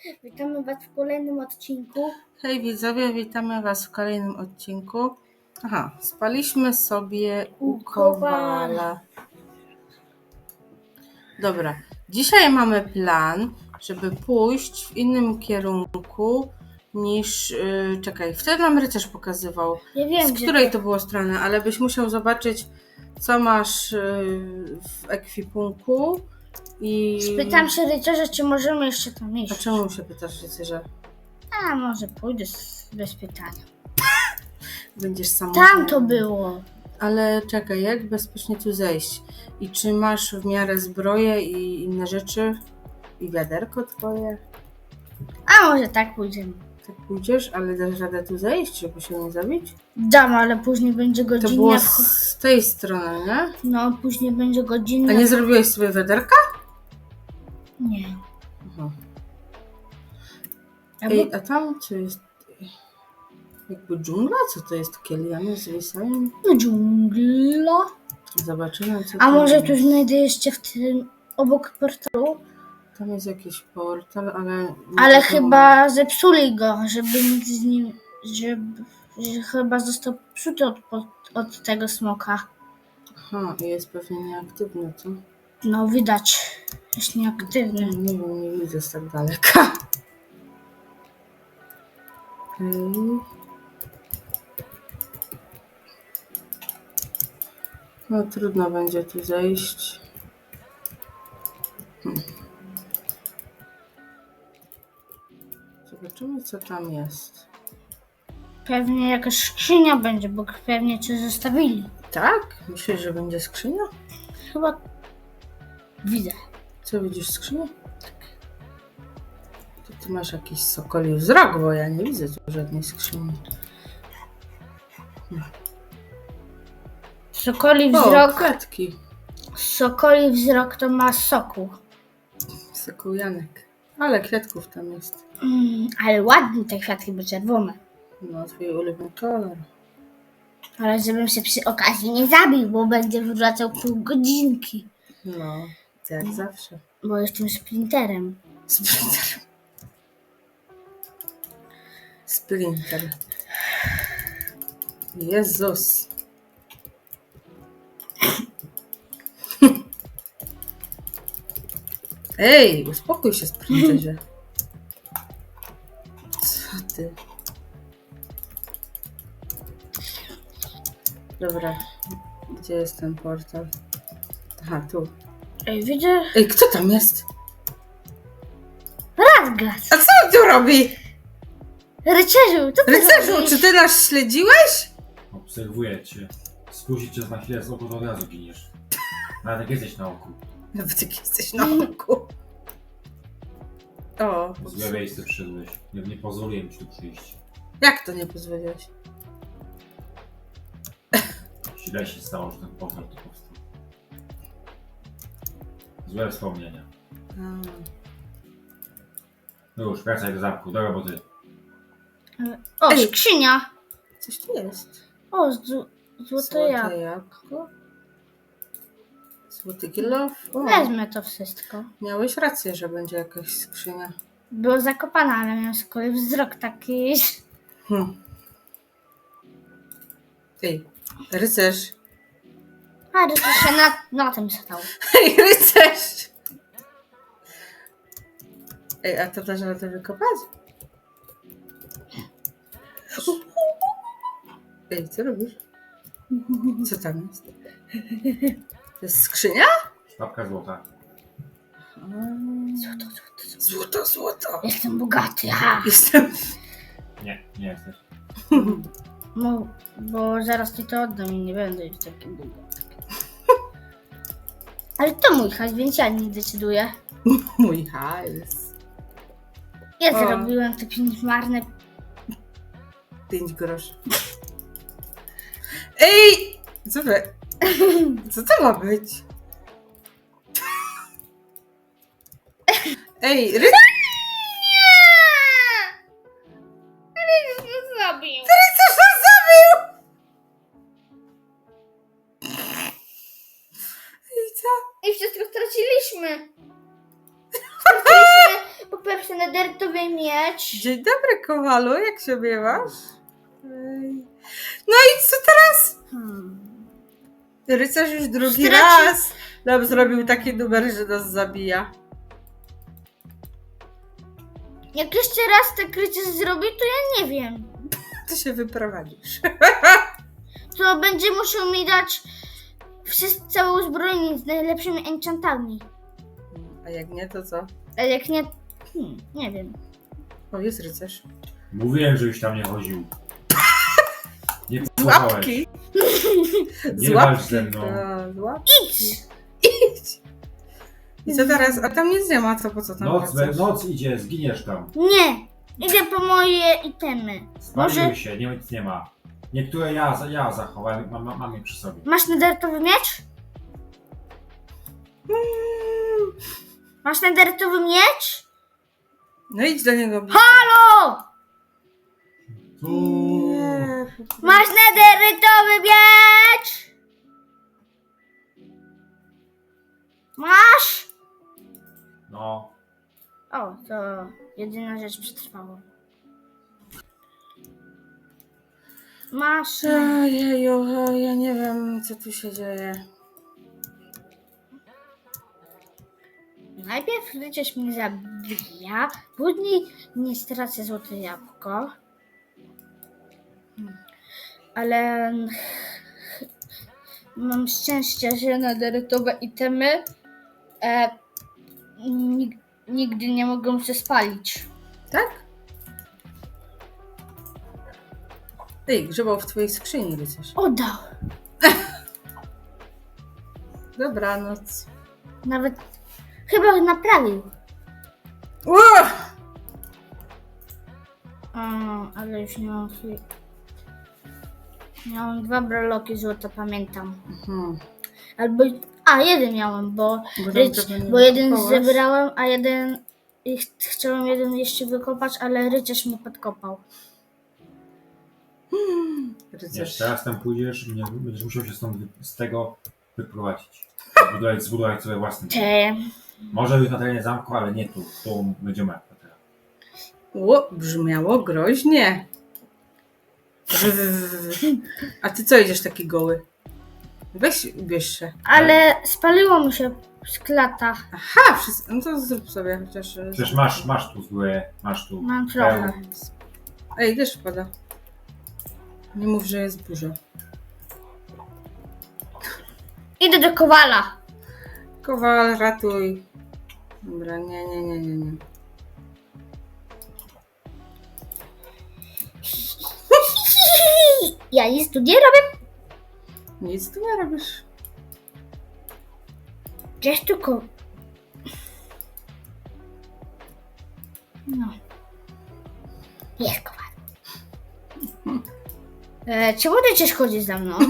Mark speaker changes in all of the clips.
Speaker 1: Witamy Was w kolejnym odcinku.
Speaker 2: Hej widzowie, witamy Was w kolejnym odcinku. Spaliśmy sobie u Kowala. Dobra, dzisiaj mamy plan, żeby pójść w innym kierunku niż... czekaj, wtedy nam rycerz pokazywał,
Speaker 1: Ja wiem,
Speaker 2: z której to było strony, ale byś musiał zobaczyć, co masz w ekwipunku i...
Speaker 1: Spytam się rycerza, czy możemy jeszcze tam iść.
Speaker 2: A czemu się pytasz rycerza?
Speaker 1: A może pójdę bez pytania.
Speaker 2: Będziesz sam.
Speaker 1: Tam to było.
Speaker 2: Ale czekaj, jak bezpiecznie tu zejść? I czy masz w miarę zbroję i inne rzeczy? I wiaderko twoje?
Speaker 1: A może tak pójdziemy.
Speaker 2: Tak pójdziesz, ale dasz radę tu zejść, żeby się nie zabić?
Speaker 1: Dam, ale później będzie
Speaker 2: To
Speaker 1: godzinna.
Speaker 2: było z tej strony, nie?
Speaker 1: No, później będzie godzinna.
Speaker 2: A nie zrobiłeś sobie wiaderka?
Speaker 1: Nie.
Speaker 2: Aha.
Speaker 1: Albo...
Speaker 2: Ej, a tam co jest? Jakby dżungla? Co to jest? Takie liany zwisają?
Speaker 1: No, dżungla.
Speaker 2: Zobaczymy, co
Speaker 1: A
Speaker 2: tam
Speaker 1: może
Speaker 2: jest.
Speaker 1: tu znajdę jeszcze w tym obok portalu?
Speaker 2: Tam jest jakiś portal, ale...
Speaker 1: Ale chyba zepsuli go, żeby nic z nim... Że chyba został psuty od tego smoka.
Speaker 2: Aha, jest pewnie nieaktywny, co?
Speaker 1: No widać, jest nieaktywny.
Speaker 2: Nie wiem, nie widzę z tak daleka. No trudno będzie tu zejść. Zobaczymy, co tam jest.
Speaker 1: Pewnie jakaś skrzynia będzie, bo pewnie coś zostawili.
Speaker 2: Tak? Myślisz, że będzie skrzynia?
Speaker 1: Chyba widzę.
Speaker 2: Co, widzisz skrzynię? To ty masz jakiś sokoli wzrok, bo ja nie widzę tu żadnej skrzyni.
Speaker 1: Sokoli
Speaker 2: O,
Speaker 1: wzrok.
Speaker 2: kwiatki.
Speaker 1: Sokoli wzrok to ma soku.
Speaker 2: Sokół Janek. Ale kwiatków tam jest.
Speaker 1: Ale ładne te kwiatki, bo czerwone.
Speaker 2: No, twój ulubiony kolor.
Speaker 1: Ale żebym się przy okazji nie zabił, bo będzie wracał pół godzinki.
Speaker 2: No, jak zawsze.
Speaker 1: Bo jestem sprinterem.
Speaker 2: Sprinter. Sprinter. Jezus. Ej, uspokój się, sprinterze. Co ty? Dobra, gdzie jest ten portal? Aha, tu.
Speaker 1: Ej, widzę
Speaker 2: Ej, kto tam jest?
Speaker 1: Radgast.
Speaker 2: A co on tu robi?
Speaker 1: Rycerzu, co ty
Speaker 2: Rycerzu,
Speaker 1: robisz?
Speaker 2: czy ty nas śledziłeś?
Speaker 3: Obserwuję cię. Spuścić cię na chwilę z oku, to od razu giniesz. Nawet jak jesteś na oku.
Speaker 2: Nawet jak jesteś na oku. O,
Speaker 3: W złe miejsce przyszedłeś. Nie pozwoliłem ci tu przyjść.
Speaker 2: jak to nie pozwoliłeś?
Speaker 3: Źle się stało, że ten portal tu powstał. Złe wspomnienia. No już, wracaj do zamku, do roboty.
Speaker 1: O,
Speaker 2: Ej.
Speaker 1: skrzynia.
Speaker 2: Coś tu jest.
Speaker 1: O, złote jabłko.
Speaker 2: jabłko. Złoty kilof. O,
Speaker 1: Wezmę to wszystko.
Speaker 2: miałeś rację, że będzie jakaś skrzynia.
Speaker 1: Było zakopane, ale miałem z kolei wzrok taki.
Speaker 2: Ej, rycerz.
Speaker 1: A rycerz się na tym stał.
Speaker 2: Ej, rycerz! Ej, a to dasz radę wykopać? Ej, co robisz? Co tam jest? To jest skrzynia?
Speaker 3: Sztabka złota.
Speaker 2: Złoto, złoto.
Speaker 1: Jestem bogaty, ha!
Speaker 2: Jestem...
Speaker 3: Nie jesteś.
Speaker 1: No, bo zaraz ci to oddam i nie będę już taki bogaty. Ale to mój hajs, więc ja nie decyduję.
Speaker 2: Mój hajs.
Speaker 1: Ja
Speaker 2: O.
Speaker 1: zrobiłem te 5 marne.
Speaker 2: 5 groszy. Ej! Co wy? Co to ma być? Ej,
Speaker 1: Zrobił.
Speaker 2: rycerz nas zabił! Ej, co?
Speaker 1: I wszystko straciliśmy. Straciliśmy po pierwsze nederytowicę Nadnertowy miecz.
Speaker 2: Dzień dobry, Kowalu, jak się miewasz? Ej. No i co teraz? Rycerz już drugi raz nam zrobił taki numer, że nas zabija.
Speaker 1: Jak jeszcze raz te krycie zrobi, to ja nie wiem.
Speaker 2: Ty się wyprowadzisz.
Speaker 1: To będzie musiał mi dać całe uzbrojenie z najlepszymi enchantami.
Speaker 2: A jak nie, to co?
Speaker 1: A jak nie, nie wiem.
Speaker 2: O, jest rycerz.
Speaker 3: Mówiłem, żebyś tam nie chodził. Nie posłuchałeś.
Speaker 2: Łapki!
Speaker 3: Nie walcz ze mną.
Speaker 2: Z łapki.
Speaker 1: Idź!
Speaker 2: I co teraz? A tam nic nie ma, to po co tam wracasz?
Speaker 3: Noc idzie, zginiesz tam.
Speaker 1: Nie! Idę po moje itemy.
Speaker 3: Spaliły się, nic nie ma. Niektóre ja zachowałem, mam je przy sobie.
Speaker 1: Masz nedertowy miecz? Masz nedertowy miecz?
Speaker 2: No idź do niego.
Speaker 1: Halo!
Speaker 2: Nie.
Speaker 1: Masz nedertowy miecz? Masz?
Speaker 3: No,
Speaker 1: O, to jedyna rzecz przetrwała. Masz.
Speaker 2: Ojeju, ja nie wiem, co tu się dzieje.
Speaker 1: Najpierw rycerz mnie zabija, później nie stracę złote jabłko. Ale mam szczęście, że nedertowe itemy nigdy nie mogą się spalić.
Speaker 2: Tak? Ej, grzebał w twojej skrzyni rycerz.
Speaker 1: Oddał.
Speaker 2: Dobranoc.
Speaker 1: Nawet chyba naprawił.
Speaker 2: Ło!
Speaker 1: Ale już nie mam chwili. Miałam 2 broloki złota, pamiętam.
Speaker 2: Mhm.
Speaker 1: Albo. Jeden miałem, bo
Speaker 2: Bo tam tego nie
Speaker 1: bo jeden
Speaker 2: wykopałaś.
Speaker 1: zebrałem, a jeden. Chciałem jeden jeszcze wykopać, ale rycerz mnie podkopał.
Speaker 3: nie,
Speaker 2: Rycerz.
Speaker 3: teraz tam pójdziesz i będziesz musiał się z tego wyprowadzić. Zbudować sobie własny dom.
Speaker 1: Te.
Speaker 3: Może być na terenie zamku, ale nie tu. Tu będzie moja kwatera.
Speaker 2: Ło, brzmiało groźnie. A ty co idziesz taki goły? Weź, ubierz się.
Speaker 1: Ale spaliło mu się z klata.
Speaker 2: Aha, wszystko. No to zrób sobie chociaż.
Speaker 3: Przecież masz tu zbroję, masz tu.
Speaker 1: Mam trochę.
Speaker 2: Ej, deszcz pada. Nie mów, że jest burza.
Speaker 1: Idę do Kowala.
Speaker 2: Kowal, ratuj. Dobra, nie.
Speaker 1: Ja nic tu nie robię.
Speaker 2: Nic tu nie robisz.
Speaker 1: Gdzieś tylko. No. Jest Kowal. Czemu rycerz chodzi za mną?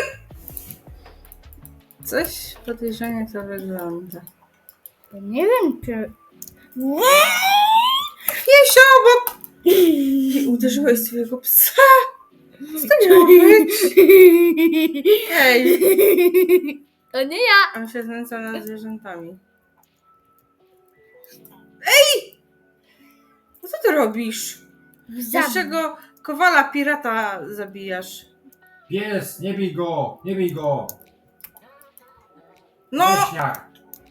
Speaker 2: Coś podejrzanie to wygląda.
Speaker 1: Nie wiem, czy.
Speaker 2: Piesio, bo ty uderzyłeś swojego psa. Co to miało być? Ej,
Speaker 1: To nie ja.
Speaker 2: on się znęca nad zwierzętami. No co ty robisz? Dlaczego kowala pirata zabijasz?
Speaker 3: Pies, nie bij go! Nie bij go!
Speaker 2: No,
Speaker 3: Leśniak!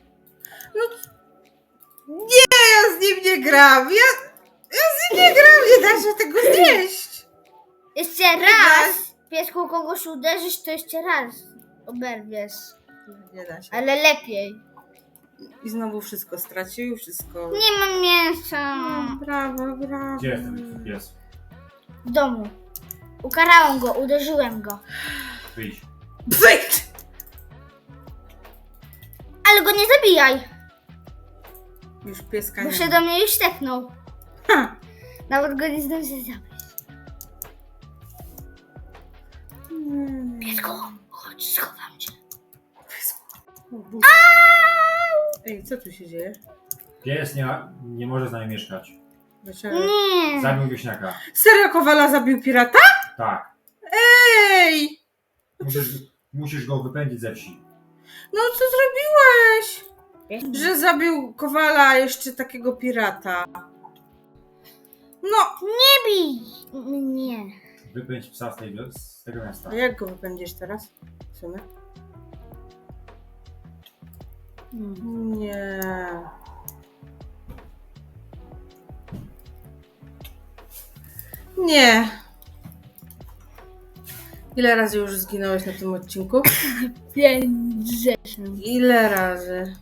Speaker 2: ja z nim nie gram. Ja z nim nie gram, nie da się tego znieść.
Speaker 1: Jeszcze raz! Piesku, kogoś uderzysz, to jeszcze raz oberwiesz.
Speaker 2: Nie da się.
Speaker 1: Ale lepiej.
Speaker 2: I znowu wszystko stracił, wszystko.
Speaker 1: Nie mam mięsa.
Speaker 2: Brawo.
Speaker 3: Gdzie jest ten pies?
Speaker 1: W domu. Ukarałam go, uderzyłem go.
Speaker 3: Wyjdź.
Speaker 2: Wyjdź!
Speaker 1: Ale go nie zabijaj,
Speaker 2: Już pieska
Speaker 1: bo
Speaker 2: nie
Speaker 1: się
Speaker 2: ma.
Speaker 1: do mnie już tepnął.
Speaker 2: Ha!
Speaker 1: Nawet go nie zdążę zabić. Piesku, chodź, schowam cię.
Speaker 2: O Boże. Ej, co tu się dzieje?
Speaker 3: Pies nie może z nami mieszkać.
Speaker 2: Dlaczego?
Speaker 1: Nie.
Speaker 3: Zabił wieśniaka.
Speaker 2: Serio kowala zabił pirata?
Speaker 3: Tak.
Speaker 2: Ej!
Speaker 3: Musisz go wypędzić ze wsi.
Speaker 2: No co zrobiłeś? Że zabił kowala jeszcze takiego pirata. No,
Speaker 1: Nie bij mnie.
Speaker 3: Wypędź psa z tego miasta.
Speaker 2: a jak go wypędzisz teraz? W sumie? Nie. Nie. Ile razy już zginąłeś na tym odcinku?
Speaker 1: 5 rzeczy.
Speaker 2: Ile razy?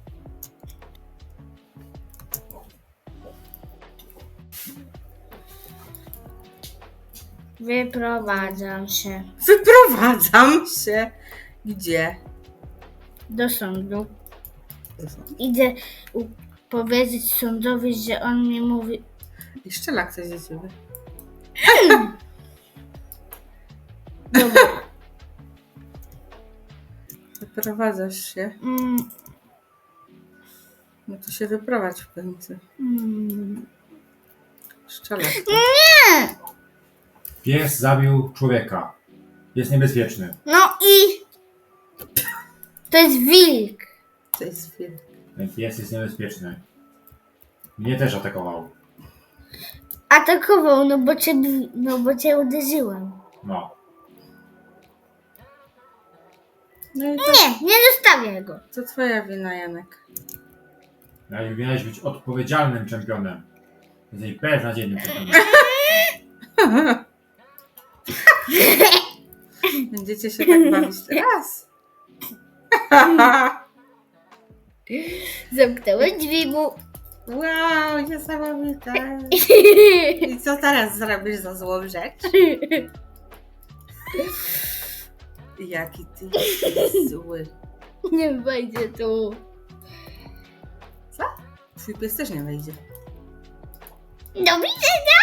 Speaker 1: Wyprowadzam się
Speaker 2: Wyprowadzam się. Gdzie?
Speaker 1: do sądu. Idę powiedzieć sądowi, że on mi mówi.
Speaker 2: I strzela ktoś do ciebie.
Speaker 1: Dobra.
Speaker 2: Wyprowadzasz się. No to się wyprowadź w końcu. Strzela.
Speaker 1: Nie!
Speaker 3: Pies zabił człowieka. Jest niebezpieczny.
Speaker 1: No i to jest wilk.
Speaker 2: To jest film.
Speaker 3: Ten pies jest niebezpieczny. Mnie też atakował.
Speaker 1: Atakował, no bo cię uderzyłem.
Speaker 3: No.
Speaker 2: No i
Speaker 1: Nie zostawię go.
Speaker 2: to twoja wina, Janek.
Speaker 3: Miałeś być odpowiedzialnym czempionem. Jesteś beznadziejnym czempionem.
Speaker 2: Będziecie się tak bawić teraz?
Speaker 1: Zamknąłem drzwi mu.
Speaker 2: Wow, niesamowite. I co teraz zrobisz za złą rzecz? Jaki ty jesteś zły.
Speaker 1: Nie wejdzie tu.
Speaker 2: Twój pies też nie wejdzie.
Speaker 1: Do widzenia.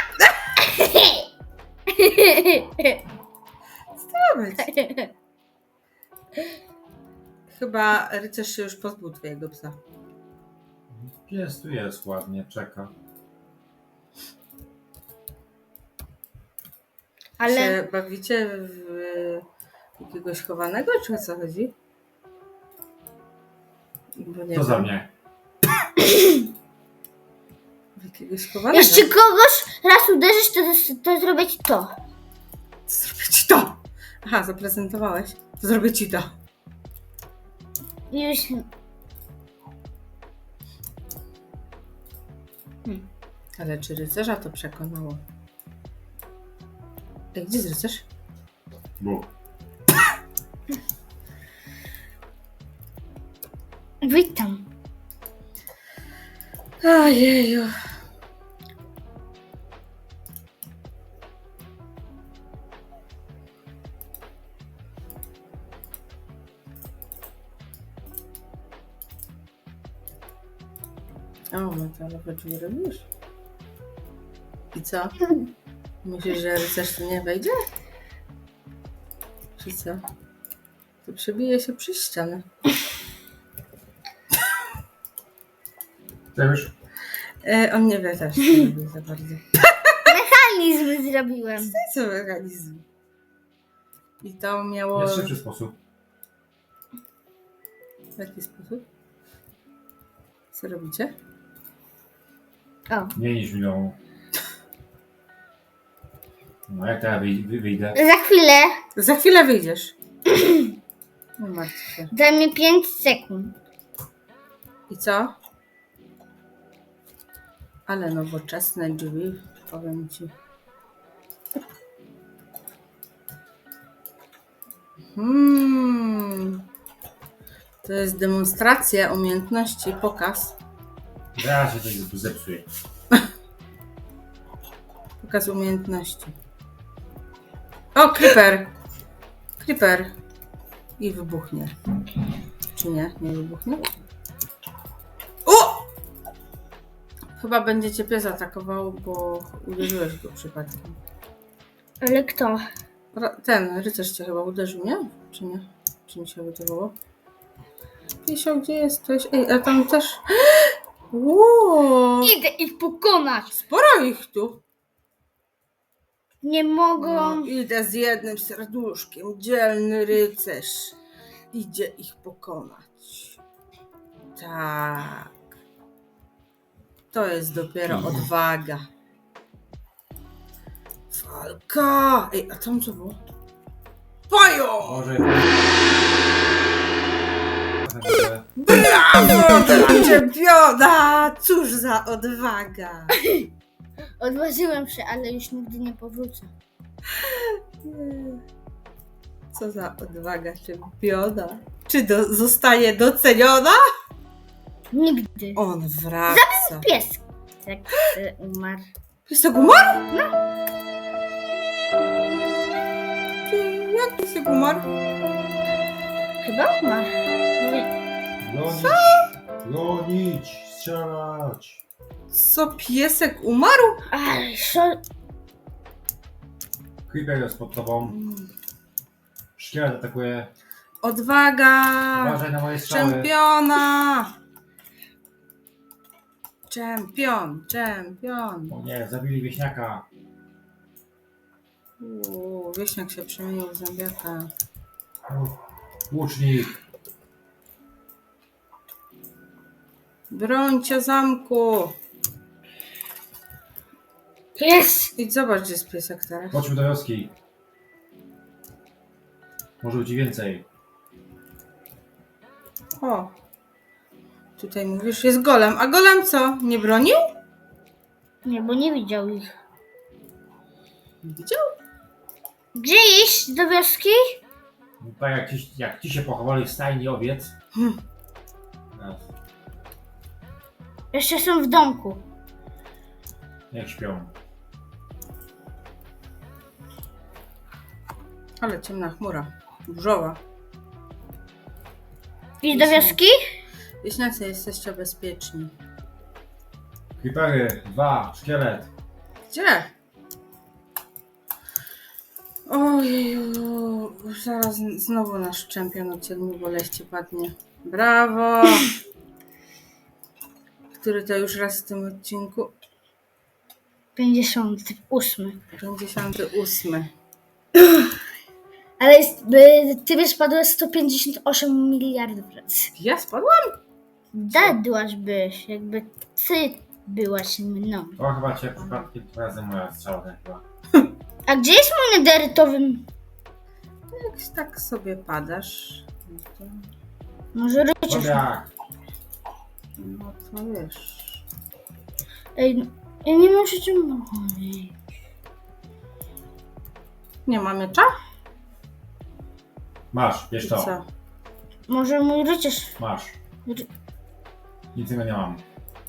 Speaker 2: Co być? Chyba rycerz się już pozbył twojego psa.
Speaker 3: Pies tu jest ładnie, czeka.
Speaker 1: Ale
Speaker 2: Się bawicie w jakiegoś chowanego, czy o co chodzi? Bo nie
Speaker 3: To za
Speaker 2: wiem.
Speaker 3: mnie.
Speaker 2: W jakiegoś chowanego.
Speaker 1: jeszcze kogoś raz uderzysz, to zrobię ci to.
Speaker 2: Zrobię ci to! Aha, zaprezentowałeś. To zrobię ci to.
Speaker 1: Już.
Speaker 2: Ale czy rycerza to przekonało? Ej, gdzie jest rycerz?
Speaker 3: Bu.
Speaker 1: Witam.
Speaker 2: Ojeju. O, metalowe drzwi robisz? I co? Myślisz, że rycerz tu nie wejdzie? Czy co? To przebije się przez ścianę.
Speaker 3: To już?
Speaker 2: On nie wie też, nie lubi za bardzo.
Speaker 1: Mechanizm zrobiłem.
Speaker 2: Co mechanizm? I to miało...
Speaker 3: Jest szybszy sposób.
Speaker 2: W jaki sposób? Co robicie?
Speaker 1: O.
Speaker 3: Mniej niż milion. No jak teraz wyjdę?
Speaker 1: Za chwilę.
Speaker 2: Za chwilę wyjdziesz. Nie martw się.
Speaker 1: Daj mi 5 sekund.
Speaker 2: I co? Ale nowoczesne drzwi, powiem ci. To jest demonstracja umiejętności, pokaz.
Speaker 3: Zaraz się coś zepsuje.
Speaker 2: Pokaz umiejętności. O, creeper! Creeper. I wybuchnie. Czy nie? Nie wybuchnie? O! Chyba będzie cię pies atakował, bo uderzyłeś go przypadkiem.
Speaker 1: Ale kto?
Speaker 2: Ten rycerz cię chyba uderzył, nie? Czy nie? Czy mi się wydawało? Piesio, gdzie jesteś? Ej, a tam też... Wow!
Speaker 1: Idę ich pokonać.
Speaker 2: Sporo ich tu.
Speaker 1: Nie mogą.
Speaker 2: No, idę z jednym serduszkiem. Dzielny rycerz. Idzie ich pokonać. Tak. To jest dopiero odwaga. Walka! Ej, a tam co było? Pajo!
Speaker 3: Może...
Speaker 2: Brawo dla czempiona! Cóż za odwaga!
Speaker 1: Odważyłem się, ale już nigdy nie powrócę.
Speaker 2: Co za odwaga czempiona? Czy zostaje doceniona?
Speaker 1: Nigdy.
Speaker 2: On wraca.
Speaker 1: Pies. Jak umarł.
Speaker 2: Piesek umarł? Jak piesek umarł?
Speaker 1: Chyba umarł.
Speaker 3: Gonić! Gonić! Strzelać!
Speaker 2: Co, piesek umarł?
Speaker 1: Ale
Speaker 3: Creeper jest pod tobą. Szkielet atakuje.
Speaker 2: Odwaga!
Speaker 3: Uważaj na moje strzały.
Speaker 2: Czempiona! Czempion!
Speaker 3: O nie, zabili wieśniaka.
Speaker 2: Wieśniak się przemienił w zębiaka.
Speaker 3: Łucznik.
Speaker 2: Brońcie zamku!
Speaker 1: pies.
Speaker 2: Idź zobacz, gdzie jest piesek teraz.
Speaker 3: Chodźmy do wioski. Może być i więcej.
Speaker 2: O! Tutaj mówisz, jest golem. A golem co? Nie bronił?
Speaker 1: Nie, bo nie widział ich.
Speaker 2: Widział?
Speaker 1: Gdzie iść? Do wioski?
Speaker 3: No tak jak ci się pochowali w stajni owiec. No,
Speaker 1: Jeszcze są w domku.
Speaker 3: niech śpią.
Speaker 2: Ale ciemna chmura. Burzowa.
Speaker 1: Iść do wioski?
Speaker 2: Wieśniacy, jesteście bezpieczni.
Speaker 3: Creepery, 2, szkielet.
Speaker 2: Gdzie? Ojeju, zaraz znowu nasz czempion od 7 boleści padnie. Brawo! Który to już raz w tym odcinku?
Speaker 1: 58.
Speaker 2: 58.
Speaker 1: Ale ty spadłeś 158 miliardów razy.
Speaker 2: Ja spadłam?
Speaker 1: Dadłaś byś, jakby ty byłaś mną.
Speaker 3: O, chyba cię przypadkiem tym razem moja strzała chyba.
Speaker 1: A gdzie jest mój nederytowy?
Speaker 2: Jak tak sobie padasz, no to,
Speaker 1: Może rycerz.
Speaker 3: Dobra,
Speaker 2: no to wiesz.
Speaker 1: Ej, ja nie muszę cię mówić.
Speaker 2: Nie ma miecza?
Speaker 3: masz, wiesz to.
Speaker 2: Co?
Speaker 1: Może mój rycerz.
Speaker 3: Masz. Nic innego nie mam.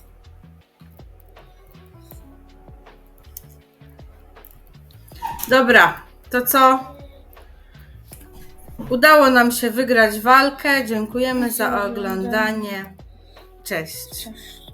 Speaker 2: Dobra, to co? Udało nam się wygrać walkę. Dziękujemy za oglądanie. Cześć.
Speaker 1: Cześć.